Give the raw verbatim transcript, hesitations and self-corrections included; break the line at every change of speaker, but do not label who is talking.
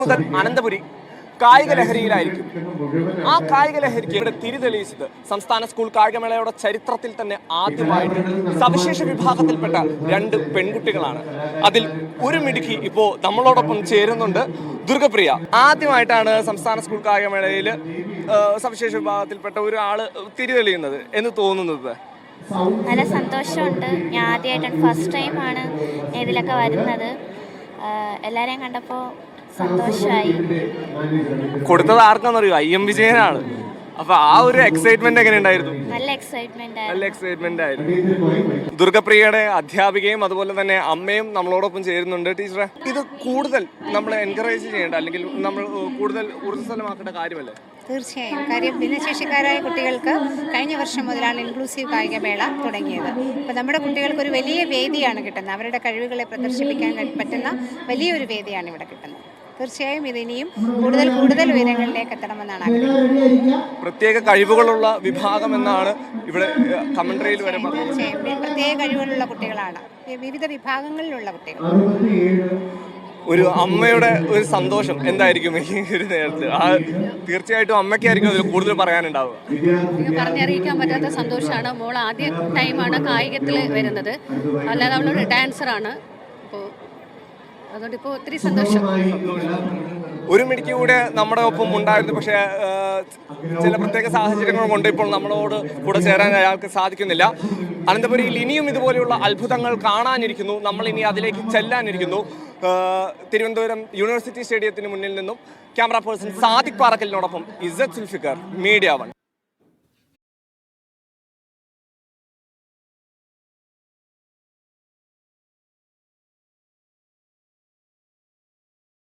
മുതൽ അനന്തപുരി കായിക ലഹരിയിലായിരിക്കും. ആ കായിക ലഹരിക്ക് ഇവിടെ തിരിതെളിയിച്ചത് സംസ്ഥാന സ്കൂൾ കായികമേളയുടെ ചരിത്രത്തിൽ തന്നെ ആദ്യമായിട്ട് സവിശേഷ വിഭാഗത്തിൽപ്പെട്ട രണ്ട് പെൺകുട്ടികളാണ്. അതിൽ ഒരു മിടുക്കി ഇപ്പോൾ നമ്മളോടൊപ്പം ചേരുന്നുണ്ട്, ദുർഗപ്രിയ. ആദ്യമായിട്ടാണ് സംസ്ഥാന സ്കൂൾ കായികമേളയിൽ സവിശേഷ വിഭാഗത്തിൽപ്പെട്ട ഒരാള് തിരിതെളിയുന്നത് എന്ന് തോന്നുന്നത്.
നല്ല സന്തോഷമുണ്ട്. ഞാൻ ആദ്യമായിട്ടാണ്, ഫസ്റ്റ് ടൈമാണ് ഇതിലൊക്കെ വരുന്നത്. എല്ലാവരെയും കണ്ടപ്പോൾ സന്തോഷമായി.
കൊടുത്തത് ആർക്കാന്നറിയോ? ഐ എം വിജയനാണ്. അപ്പൊ ആ ഒരു എക്സൈറ്റ്മെന്റ് എങ്ങനെ ഉണ്ടായിരുന്നു?
നല്ല എക്സൈറ്റ്മെന്റ്
നല്ല എക്സൈറ്റ്മെന്റ് ആയിരുന്നു. ദുർഗപ്രിയയുടെ അധ്യാപികയും അതുപോലെ തന്നെ അമ്മയും നമ്മളോടൊപ്പം ചേരുന്നുണ്ട്. ടീച്ചറെ, ഇത് കൂടുതൽ നമ്മൾ എൻകറേജ് ചെയ്യേണ്ട അല്ലെങ്കിൽ നമ്മൾ കൂടുതൽ ഊർജ്ജസ്വലമാക്കേണ്ട കാര്യമല്ലേ?
തീർച്ചയായും. കാര്യം ഭിന്നശേഷിക്കാരായ കുട്ടികൾക്ക് കഴിഞ്ഞ വർഷം മുതലാണ് ഇൻക്ലൂസീവ് കായികമേള തുടങ്ങിയത്. അപ്പോൾ നമ്മുടെ കുട്ടികൾക്ക് ഒരു വലിയ വേദിയാണ് കിട്ടുന്നത്. അവരുടെ കഴിവുകളെ പ്രദർശിപ്പിക്കാൻ പറ്റുന്ന വലിയൊരു വേദിയാണ് ഇവിടെ കിട്ടുന്നത്. തീർച്ചയായും ഇതിനിയും കൂടുതൽ കൂടുതൽ ഉയരങ്ങളിലേക്ക് എത്തണമെന്നാണ് ആഗ്രഹം.
പ്രത്യേക കഴിവുകളുള്ള വിഭാഗം എന്നാണ് ഇവിടെ കമന്ററിയിൽ വരെ പറഞ്ഞത്.
തീർച്ചയായും പ്രത്യേക കഴിവുകളുള്ള കുട്ടികളാണ്, വിവിധ വിഭാഗങ്ങളിലുള്ള കുട്ടികൾ.
ഒരു അമ്മയുടെ ഒരു സന്തോഷം എന്തായിരിക്കും ഈ ഒരു നേരത്ത്? ആ തീർച്ചയായിട്ടും അമ്മയ്ക്കായിരിക്കും അതിൽ കൂടുതൽ പറയാനുണ്ടാവുക.
പറഞ്ഞറിയിക്കാൻ പറ്റാത്ത സന്തോഷമാണ്. മോൾ ആദ്യ ടൈമാണ് കായികത്തിൽ വരുന്നത്, അല്ലാതെ അവളൊരു ഡാൻസറാണ്. അപ്പോൾ അതുകൊണ്ട് ഇപ്പോൾ ഒത്തിരി സന്തോഷം.
ഒരു മിനിറ്റ് കൂടെ നമ്മുടെ ഒപ്പം ഉണ്ടായിരുന്നു, പക്ഷേ ചില പ്രത്യേക സാഹചര്യങ്ങൾ കൊണ്ട് ഇപ്പോൾ നമ്മളോട് കൂടെ ചേരാൻ അയാൾക്ക് സാധിക്കുന്നില്ല. അനന്തപുരിയിൽ ഇനിയും ഇതുപോലെയുള്ള അത്ഭുതങ്ങൾ കാണാനിരിക്കുന്നു. നമ്മൾ ഇനി അതിലേക്ക് ചെല്ലാനിരിക്കുന്നു. തിരുവനന്തപുരം യൂണിവേഴ്സിറ്റി സ്റ്റേഡിയത്തിന് മുന്നിൽ നിന്നും ക്യാമറ പേഴ്സൺ സാദിഖ് പാറക്കലിനോടൊപ്പം ഇസ്സത്ത് സുൽഫിക്കർ, മീഡിയ വൺ.